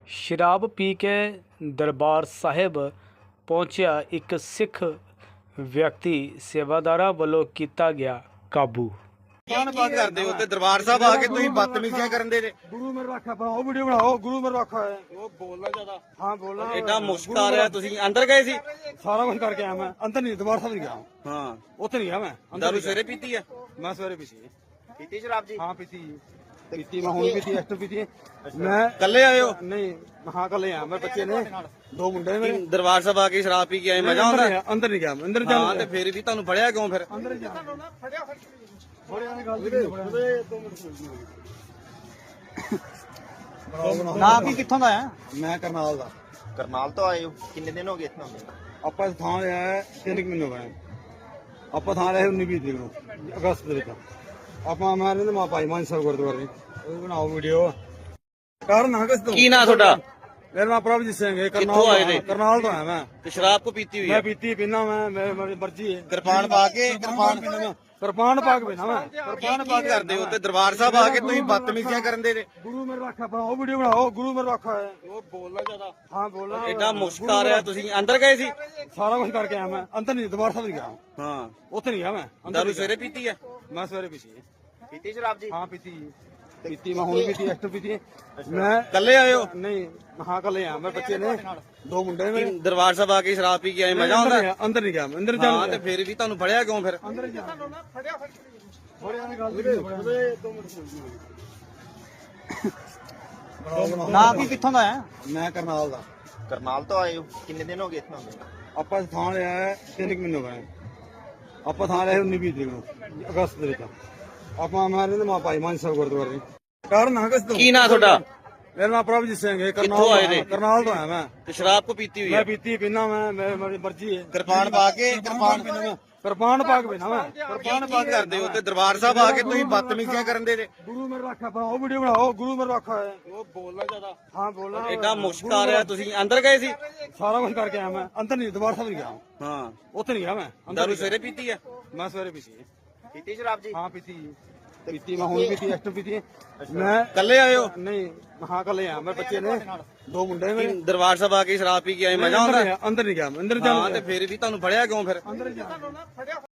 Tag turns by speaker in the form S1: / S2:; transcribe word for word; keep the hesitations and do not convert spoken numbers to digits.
S1: ਸ਼ਰਾਬ ਪੀ ਕੇ ਦਰਬਾਰ ਸਾਹਿਬ ਪਹੁੰਚਿਆ ਇੱਕ ਸਿੱਖ ਵਿਅਕਤੀ ਸੇਵਾਦਾਰਾਂ ਵੱਲੋਂ ਕੀਤਾ ਗਿਆ ਕਾਬੂ।
S2: ਕੌਣ ਬਾਤ ਕਰਦੇ ਹੋ ਤੇ ਦਰਬਾਰ ਸਾਹਿਬ ਆ ਕੇ ਤੁਸੀਂ ਬਦਤਮੀਜ਼ੀਆਂ ਕਰਨ ਦੇ ਜੇ।
S3: गुरु मेरे रखा बनाओ वीडियो बनाओ गुरु मेरे रखा है
S2: ਉਹ ਬੋਲਣਾ ਜ਼ਿਆਦਾ
S3: हाँ बोलना
S2: ਐਡਾ ਮੁਸ਼ਕ ਆ ਰਿਹਾ। ਤੁਸੀਂ ਅੰਦਰ ਗਏ ਸੀ?
S3: सारा कुछ करके आया मैं अंदर नहीं दरबार साहब नहीं गया
S2: ਹਾਂ
S3: उतने नहीं गया मैं अंदर
S2: ਦਾਰੂ
S3: नहीं
S2: ਸਵੇਰੇ ਪੀਤੀ ਆ?
S3: गया। मैं सवेरे पीती है
S2: ਪੀਤੀ ਸ਼ਰਾਬ ਜੀ?
S3: हाँ पीती पीती मैं हूँ पीती एक्टर पीती है मैं
S2: ਕੱਲੇ ਆਏ ਹੋ?
S3: नहीं हाँ कल यहाँ मैं बच्चे ने दो मुंडे मेरे
S2: ਦਰਬਾਰ ਸਾਹਿਬ ਆ ਕੇ ਸ਼ਰਾਬ ਪੀ ਕੇ ਆਏ, ਮਜ਼ਾ
S3: अंदर
S2: ਆਉਂਦਾ?
S3: नहीं गया, अंदर नहीं गया मैं अंदर
S2: ਹਾਂ
S3: जाना
S2: ਤੇ ਫਿਰ ਵੀ ਤੁਹਾਨੂੰ ਫੜਿਆ ਕਿਉਂ ਫਿਰ?
S3: अंदर ही
S4: ਨਾ ਕੀ ਕਿੱਥੋਂ ਦਾ ਹੈ?
S3: मैं करनाल दा
S4: ਕਰਨਾਲ ਤੋਂ ਆਏ ਹੋ? ਕਿੰਨੇ ਦਿਨ ਹੋ ਗਏ ਇੱਥੋਂ?
S3: ਆਪਾਂ ਥਾਂ ਲਿਆ ਹੈ ਤਿੰਨ ਕੁ ਮਹੀਨੇ ਹੋਏ ਆਪਾਂ ਥਾਂ ਲਿਆ ਉੱਨੀ ਵੀਹ ਤਰੀਕ ਨੂੰ ਅਗਸਤ ਦੇ ਵਿੱਚ ਆਪਾਂ ਮੈਂ ਰਹਿੰਦੇ ਮਾ ਭਾਈ ਮਾਨ ਸਾਹਿਬ ਗੁਰਦੁਆਰੇ ਉਹ ਬਣਾਓ ਵੀਡੀਓ ਕਾਰਨ ਹਾਂ ਕਿਸ ਤੋਂ
S2: ਕੀ ਨਾਂ ਤੁਹਾਡਾ?
S3: ਮੇਰਾ ਨਾਮ ਪ੍ਰਭਜੀਤ ਸਿੰਘ ਹੈ
S2: ਕਿੱਥੋਂ ਆਏ ਨੇ?
S3: ਕਰਨਾਲ ਤੋਂ ਆਇਆ ਮੈਂ
S2: ਤੇ ਸ਼ਰਾਬ ਕੋ ਪੀਤੀ ਹੋਈ
S3: ਮੈਂ
S2: ਹੈ?
S3: ਪੀਤੀ ਪੀਣਾ ਮੈਂ ਮੇਰੇ ਮੇਰੀ ਮਰਜ਼ੀ ਹੈ
S2: ਕਿਰਪਾਨ ਪਾ ਕੇ ਕਿਰਪਾਨ
S3: ਕਿਰਪਾਨ ਪਾ ਕੇ ਪੀਣਾ ਮੈਂ
S2: ਕਿਰਪਾਨ ਬਾਤ ਕਰਦੇ ਹੋ ਤੇ ਦਰਬਾਰ ਸਾਹਿਬ ਆ ਕੇ ਤੁਸੀਂ ਬਦਤਮੀਜ਼ੀਆਂ ਕਰਨ ਦੇ ਜੇ।
S3: ਗੁਰੂ ਮੇਰੇ ਰੱਖਾ ਬਣਾਓ ਵੀਡੀਓ ਬਣਾਓ ਗੁਰੂ ਮੇਰੇ ਰੱਖਾ ਹੈ
S2: ਉਹ ਬੋਲਣਾ ਜ਼ਿਆਦਾ
S3: ਹਾਂ ਬੋਲਣਾ
S2: ਐਡਾ ਮੁਸ਼ਕ ਆ ਰਿਹਾ। ਤੁਸੀਂ ਅੰਦਰ ਗਏ ਸੀ?
S3: ਸਾਰਾ ਕੁਝ ਕਰਕੇ ਆਇਆ ਮੈਂ ਅੰਦਰ ਨਹੀਂ ਦਰਬਾਰ ਸਾਹਿਬ ਨਹੀਂ ਗਿਆ
S2: ਹਾਂ
S3: ਉੱਥੇ ਨਹੀਂ ਗਿਆ ਮੈਂ ਅੰਦਰ
S2: ਦਾਰੂ
S3: ਨਹੀਂ
S2: ਸਵੇਰੇ ਪੀਤੀ ਆ?
S3: ਗਿਆ। ਮੈਂ ਸਵੇਰੇ ਪੀਤੀ ਹੈ
S4: ਪੀਤੀ ਸ਼ਰਾਬ ਜੀ?
S3: हाँ पीती पीती मैं हूँ पीती एक्टर पीती मैं
S2: ਕੱਲੇ ਆਏ ਹੋ?
S3: नहीं हाँ कल यहाँ मैं बच्चे ने दो मुंडे मेरे
S2: ਦਰਬਾਰ ਸਾਹਿਬ ਆ ਕੇ ਸ਼ਰਾਬ ਪੀ ਕੇ ਆਏ, ਮਜ਼ਾ ਆਉਂਦਾ?
S3: अंदर अंदर नहीं गया मैं अंदर
S2: ਹਾਂ
S3: जाना
S2: ਤੇ ਫਿਰ ਵੀ ਤੁਹਾਨੂੰ ਫੜਿਆ ਕਿਉਂ ਫਿਰ?
S3: अंदर ही जाना
S4: ਨਾ ਕੀ ਕਿੱਥੋਂ ਦਾ ਹੈ?
S3: मैं करनाल दा
S4: ਕਰਨਾਲ ਤੋਂ ਆਏ ਹੋ? ਕਿੰਨੇ ਦਿਨ ਹੋ ਗਏ ਇੱਥੋਂ?
S3: ਆਪਾਂ ਥਾਂ ਲਿਆ ਹੈ ਤਿੰਨ ਕੁ ਮਹੀਨੇ ਹੋਏ ਆਪਾਂ ਥਾਂ ਲਿਆ ਉੱਨੀ ਵੀਹ ਤਰੀਕ ਨੂੰ ਅਗਸਤ ਦੇ ਵਿੱਚ ਆਪਾਂ ਮੈਂ ਰਹਿੰਦੇ ਮਾ ਭਾਈ ਮਾਨ ਸਾਹਿਬ ਗੁਰਦੁਆਰੇ ਕਾਰਨ ਹਾਂ ਕਿਸ ਤੋਂ
S2: ਕੀ ਨਾਂ ਤੁਹਾਡਾ?
S3: ਮੇਰਾ ਨਾਮ ਪ੍ਰਭਜੀਤ ਸਿੰਘ ਹੈ
S2: ਕਿੱਥੋਂ ਆਏ ਨੇ?
S3: ਕਰਨਾਲ ਤੋਂ ਆਇਆ ਮੈਂ
S2: ਤੇ ਸ਼ਰਾਬ ਕੋ ਪੀਤੀ ਹੋਈ
S3: ਮੈਂ
S2: ਹੈ?
S3: ਪੀਤੀ ਪੀਣਾ ਮੈਂ ਮੇਰੇ- ਮੇਰੀ ਮਰਜ਼ੀ ਹੈ
S2: ਕਿਰਪਾਨ ਪਾ ਕੇ ਕਿਰਪਾਨ
S3: ਕਿਰਪਾਨ ਪਾ ਕੇ ਪੀਣਾ ਮੈਂ
S2: ਕਿਰਪਾਨ ਬਾਤ ਕਰਦੇ ਹੋ ਤੇ ਦਰਬਾਰ ਸਾਹਿਬ ਆ ਕੇ ਤੁਸੀਂ ਬਦਤਮੀਜ਼ੀਆਂ ਕਰਨ ਦੇ ਜੇ।
S3: ਗੁਰੂ ਮੇਰੇ ਰੱਖਾ ਬਣਾਓ ਵੀਡੀਓ ਬਣਾਓ ਗੁਰੂ ਮੇਰੇ ਰੱਖਾ ਹੈ
S2: ਉਹ ਬੋਲਣਾ ਜ਼ਿਆਦਾ
S3: ਹਾਂ ਬੋਲਣਾ
S2: ਐਡਾ ਮੁਸ਼ਕ ਆ ਰਿਹਾ। ਤੁਸੀਂ ਅੰਦਰ ਗਏ ਸੀ?
S3: ਸਾਰਾ ਕੁਝ ਕਰਕੇ ਆਇਆ ਮੈਂ ਅੰਦਰ ਨਹੀਂ ਦਰਬਾਰ ਸਾਹਿਬ ਨਹੀਂ ਗਿਆ
S2: ਹਾਂ
S3: ਉੱਥੇ ਨਹੀਂ ਗਿਆ ਮੈਂ ਅੰਦਰ
S2: ਦਾਰੂ
S3: ਨਹੀਂ
S2: ਸਵੇਰੇ ਪੀਤੀ ਆ?
S3: ਗਿਆ। ਮੈਂ ਸਵੇਰੇ ਪੀਤੀ ਹੈ
S4: ਪੀਤੀ ਸ਼ਰਾਬ ਜੀ?
S3: ਹਾਂ ਪੀਤੀ ਪੀਤੀ ਮੈਂ ਹੁਣ ਪੀਤੀ ਐਕਟਰ ਪੀਤੀ ਮੈਂ
S2: ਕੱਲੇ ਆਏ ਹੋ?
S3: ਨਹੀਂ ਹਾਂ ਕਲ यहाँ मैं बच्चे ने दो मुंडे मेरे
S2: ਦਰਬਾਰ ਸਾਹਿਬ ਆ ਕੇ ਸ਼ਰਾਬ ਪੀ ਕੇ ਆਏ, ਮਜ਼ਾ
S3: अंदर
S2: ਆਉਂਦਾ?
S3: नहीं गया, अंदर नहीं गया मैं अंदर
S2: ਹਾਂ
S3: जाना
S2: ਤੇ ਫਿਰ ਵੀ ਤੁਹਾਨੂੰ ਫੜਿਆ ਕਿਉਂ ਫਿਰ?
S3: अंदर ही जाना